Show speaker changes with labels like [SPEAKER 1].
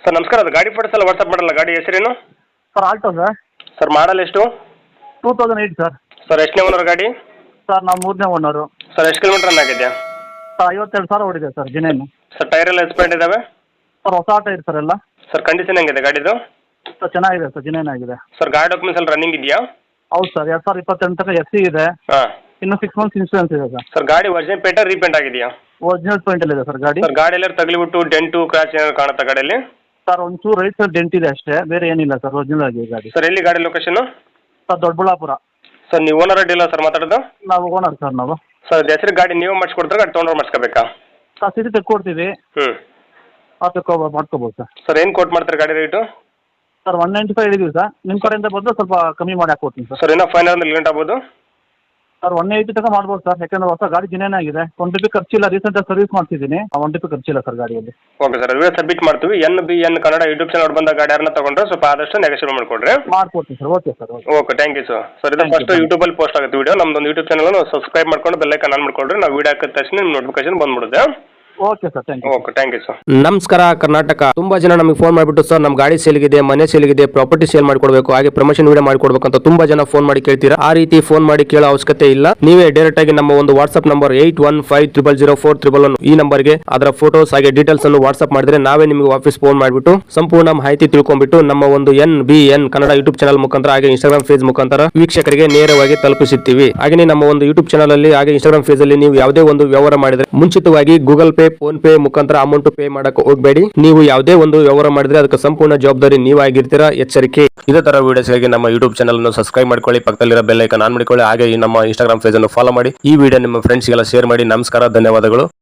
[SPEAKER 1] Sir ನಮಸ್ಕಾರ, ಅದು ಗಾಡಿ ಫೋಟೋಸ್ ಎಲ್ಲ ವಾಟ್ಸಪ್ ಮಾಡಲ್ಲ. ಗಾಡಿ ಹೆಸರೇನು
[SPEAKER 2] sir? Alto sir.
[SPEAKER 1] Sir? Model ಎಷ್ಟು?
[SPEAKER 2] 2008 ಸರ್.
[SPEAKER 1] ಸರ್ ಎಷ್ಟನೇ ಓನರ್ ಗಾಡಿ?
[SPEAKER 2] ಸರ್ ನಾವು 3ನೇ ಓನರು.
[SPEAKER 1] ಸರ್ ಎಷ್ಟು ಕಿಲೋಮೀಟರ್ ರನ್ ಆಗಿದೆ?
[SPEAKER 2] ಸರ್ 52,000 ಓಡಿದೆ ಸರ್ ಜಿನೇನು.
[SPEAKER 1] ಸರ್ ಟೈರ್ ಎಲ್ಲ ಎಕ್ಸ್ಪೈರ್ಡ್ ಇದಾವೆ?
[SPEAKER 2] ಸರ್ ಹೊಸ ಟೈರ್ ಸರ್ ಎಲ್ಲ.
[SPEAKER 1] ಸರ್ ಕಂಡೀಷನ್ ಹೆಂಗಿದೆ ಗಾಡಿದು?
[SPEAKER 2] ಸರ್ ಚೆನ್ನಾಗಿದೆ ಸರ್, ಜಿನೇನ್ ಆಗಿದೆ.
[SPEAKER 1] ಸರ್ ಗಾಡಿ ಡಾಕ್ಯುಮೆಂಟ್ಸ್ ಎಲ್ಲ ರನ್ನಿಂಗ್ ಇದೆಯಾ?
[SPEAKER 2] ಹೌದು ಸರ್, 2028 ತನಕ FC ಇದೆ.
[SPEAKER 1] ಹಾಂ.
[SPEAKER 2] ಇನ್ನು 6 ಮಂತ್ಸ್ ಇನ್ಶೂರೆನ್ಸ್ ಇದೆ ಸರ್.
[SPEAKER 1] ಸರ್ ಗಾಡಿ ಒರಿಜಿನಲ್ ಪೇಂಟ ರೀಪೇಂಟ್ ಆಗಿದೆಯಾ?
[SPEAKER 2] ಒರಿಜಿನಲ್ ಪೇಂಟಲ್ಲಿ ಇದೆ ಸರ್ ಗಾಡಿ.
[SPEAKER 1] ಸರ್ ಗಾಡಿ ಎಲ್ಲ ತಗಲಿಬಿಟ್ಟು ಡೆಂಟು ಕ್ರಾಚ್ ಏನಾದ್ರು ಕಾಣುತ್ತಾ ಗಾಡಿಯಲ್ಲಿ?
[SPEAKER 2] ಸರ್ ಒಂಚೂರು ರೈಟ್ ಸೈಡ್ ಡೆಂಟ್ ಇದೆ ಅಷ್ಟೇ, ಬೇರೆ ಏನಿಲ್ಲ ಸರ್, ಒರಿಜಿನಲ್ ಆಗಿದೆ ಗಾಡಿ.
[SPEAKER 1] ಸರ್ ಎಲ್ಲಿ ಗಾಡಿ ಲೊಕೇಶನ್?
[SPEAKER 2] ಸರ್ ದೊಡ್ಡಬಳ್ಳಾಪುರ.
[SPEAKER 1] ಸರ್ ನೀವು ಓನರ್ ಡೀಲರ್ ಸರ್ ಮಾತಾಡೋದು?
[SPEAKER 2] ನಾವು ಓನರ್ ಸರ್ ನಾವು.
[SPEAKER 1] ಸರ್ ಅದು ಹೆಸರು ಗಾಡಿ ನೀವೇ ಮಾಡಿಸ್ಕೊಡ್ತಾರೆ, ಗಾಡಿ ತೊಗೊಂಡ್ರೆ ಮಾಡಿಸ್ಕೋಬೇಕಾ?
[SPEAKER 2] ಸರ್ ಸಿಟಿ ತೆಕ್ಕೊಡ್ತೀವಿ,
[SPEAKER 1] ಹ್ಞೂ.
[SPEAKER 2] ಮಾಡ್ಕೋಬೋದು ಸರ್.
[SPEAKER 1] ಸರ್ ಏನು ಕೋಟ್ ಮಾಡ್ತಾರೆ ಗಾಡಿ ರೇಟು?
[SPEAKER 2] ಸರ್ 195 ಹೇಳಿದ್ದೀವಿ ಸರ್. ನಿಮ್ಮ ಕಡೆಯಿಂದ ಬಂದರೆ ಸ್ವಲ್ಪ ಕಮ್ಮಿ ಮಾಡಿ ಹಾಕ್ಕೊಡ್ತೀನಿ ಸರ್.
[SPEAKER 1] ಸರ್ ಇನ್ನೂ ಫೈನಲ್ ಅಂದ್ರೆ ಲೇಟ್ ಆಗ್ಬೋದು?
[SPEAKER 2] ಸರ್ 180 ತನಕ ಮಾಡ್ಬೋದು ಸರ್, ಯಾಕಂದ್ರೆ ಹೊಸ ಗಾಡಿ ಜಿನೇನ್ ಆಗಿದೆ. 1 ರೂಪಾಯಿ ಖರ್ಚಿಲ್ಲ, ರೀಸೆಂಟಾಗಿ ಸರ್ವಿಸ್ ಮಾಡ್ತಿದ್ದೀನಿ. 1 ರೂಪಾಯಿ ಖರ್ಚಿಲ್ಲ ಸರ್ ಗಾಡಿಯಲ್ಲಿ.
[SPEAKER 1] ಓಕೆ ಸರ್, ವಿಡಿಯೋ ಸಬ್ಮಿಟ್ ಮಾಡ್ತೀವಿ. NBN ಕನ್ನಡ ಯೂಟ್ಯೂಬ್ ಚಾನಲ್ ಬಂದ ಗಾಡಿ ಯಾರನ್ನ ತಗೊಂಡ್ರೆ ಸ್ವಲ್ಪ ಆದಷ್ಟು ನೆಗೋಷಿಯೇಟ್ ಮಾಡಿಕೊಡ್ರಿ.
[SPEAKER 2] ಮಾಡ್ಕೊಡ್ತೀನಿ sir. Okay sir.
[SPEAKER 1] Okay, thank you sir. Sir ಇದು ಫಸ್ಟ್ ಯೂಟ್ಯೂಬಲ್ಲಿ ಪೋಸ್ಟ್ ಆಗುತ್ತೆ ವಿಡಿಯೋ. ನಮ್ದೊಂದು ಯೂಟ್ಯೂಬ್ ಚಾನಲ್ ಸಬ್ಸ್ಕ್ರೈಬ್ ಮಾಡ್ಕೊಂಡು ಬೆಲ್ ಐಕಾನ್ ಆನ್ ಮಾಡ್ಕೊಳ್ರಿ. ನಾವು ವಿಡಿಯೋ ಹಾಕಿದ ತಕ್ಷಣ ನಿಮ್ಮ ನೋಟಿಫಿಕೇಶನ್ ಬಂದ್ಬಿಡುತ್ತೆ.
[SPEAKER 2] Okay sir, thank you.
[SPEAKER 1] Okay, thank you sir.
[SPEAKER 3] ನಮಸ್ಕಾರ ಕರ್ನಾಟಕ. ತುಂಬಾ ಜನ ನಮಗೆ ಫೋನ್ ಮಾಡಿಬಿಟ್ಟು ಸರ್ ನಮ್ಮ ಗಾಡಿ ಸೇಲ್ಗಿದೆ, ಮನೆ ಸೇಲ್ಗಿದೆ, ಪ್ರಾಪರ್ಟಿ ಸೇಲ್ ಮಾಡಿಕೊಡ್ಬೇಕು, ಹಾಗೆ ಪ್ರಮೋಷನ್ ವಿಡಿಯೋ ಮಾಡಿಕೊಡ್ಬೇಕು ಅಂತ ತುಂಬಾ ಜನ ಫೋನ್ ಮಾಡಿ ಕೇಳ್ತೀರಾ. ಆ ರೀತಿ ಫೋನ್ ಮಾಡಿ ಕೇಳೋ ಅವಶ್ಯಕತೆ ಇಲ್ಲ. ನೀವೇ ಡೈರೆಕ್ಟ್ ಆಗಿ ನಮ್ಮ ಒಂದು ವಾಟ್ಸ್ಆಪ್ ನಂಬರ್ 81500411 ಈ ನಂಬರ್ಗೆ ಅದರ ಫೋಟೋಸ್ ಹಾಗೆ ಡೀಟೇಲ್ಸ್ ಅನ್ನು ವಾಟ್ಸ್ಆಪ್ ಮಾಡಿದ್ರೆ ನಾವೇ ನಿಮಗೆ ವಾಪಸ್ ಫೋನ್ ಮಾಡಿಬಿಟ್ಟು ಸಂಪೂರ್ಣ ಮಾಹಿತಿ ತಿಳ್ಕೊಂಡ್ಬಿಟ್ಟು ನಮ್ಮ ಒಂದು NBN ಕನ್ನಡ ಯೂಟ್ಯೂಬ್ ಚಾನಲ್ ಮುಖಾಂತರ ಹಾಗೆ ಇನ್ಸ್ಟಾಗ್ರಾಮ್ ಪೇಜ್ ಮುಖಾಂತರ ವೀಕ್ಷಕರಿಗೆ ನೇರವಾಗಿ ತಲುಪಿಸುತ್ತೀವಿ. ಹಾಗೆ ನಮ್ಮ ಒಂದು ಯೂಟ್ಯೂಬ್ ಚಾನಲ್ ಅಲ್ಲಿ ಹಾಗೆ ಇನ್ಸ್ಟಾಗ್ರಾಮ್ ಪೇಜ್ ಅಲ್ಲಿ ನೀವು ಯಾವುದೇ ಒಂದು ವ್ಯವಹಾರ ಮಾಡಿದ್ರೆ ಮುಂಚಿತವಾಗಿ ಗೂಗಲ್ ಪೇ, ಫೋನ್ ಪೇ ಮುಖಾಂತರ ಅಮೌಂಟ್ ಪೇ ಮಾಡಕ್ಕೆ ಹೋಗಬೇಡಿ. ನೀವು ಯಾವುದೇ ಒಂದು ವ್ಯವಹಾರ ಮಾಡಿದ್ರೆ ಅದಕ್ಕೆ ಸಂಪೂರ್ಣ ಜವಾಬ್ದಾರಿ ನೀವಾಗಿರ್ತೀರಾ, ಎಚ್ಚರಿಕೆ. ಇದೇ ತರ ವಿಡಿಯೋಸ್ಗಾಗಿ ನಮ್ಮ ಯೂಟ್ಯೂಬ್ ಚಾನಲ್ ಅನ್ನು ಸಬ್ಸ್ಕ್ರೈಬ್ ಮಾಡ್ಕೊಳ್ಳಿ, ಪಕ್ಕದಲ್ಲಿರೋ ಬೆಲ್ ಐಕಾನ್ ಆನ್ ಮಾಡಿಕೊಳ್ಳಿ, ಹಾಗೆ ನಮ್ಮ ಇನ್ಸ್ಟಾಗ್ರಾಮ್ ಪೇಜ್ ಅನ್ನು ಫಾಲೋ ಮಾಡಿ. ಈ ವಿಡಿಯೋ ನಿಮ್ಮ ಫ್ರೆಂಡ್ಸ್ಗೆಲ್ಲ ಶೇರ್ ಮಾಡಿ. ನಮಸ್ಕಾರ, ಧನ್ಯವಾದಗಳು.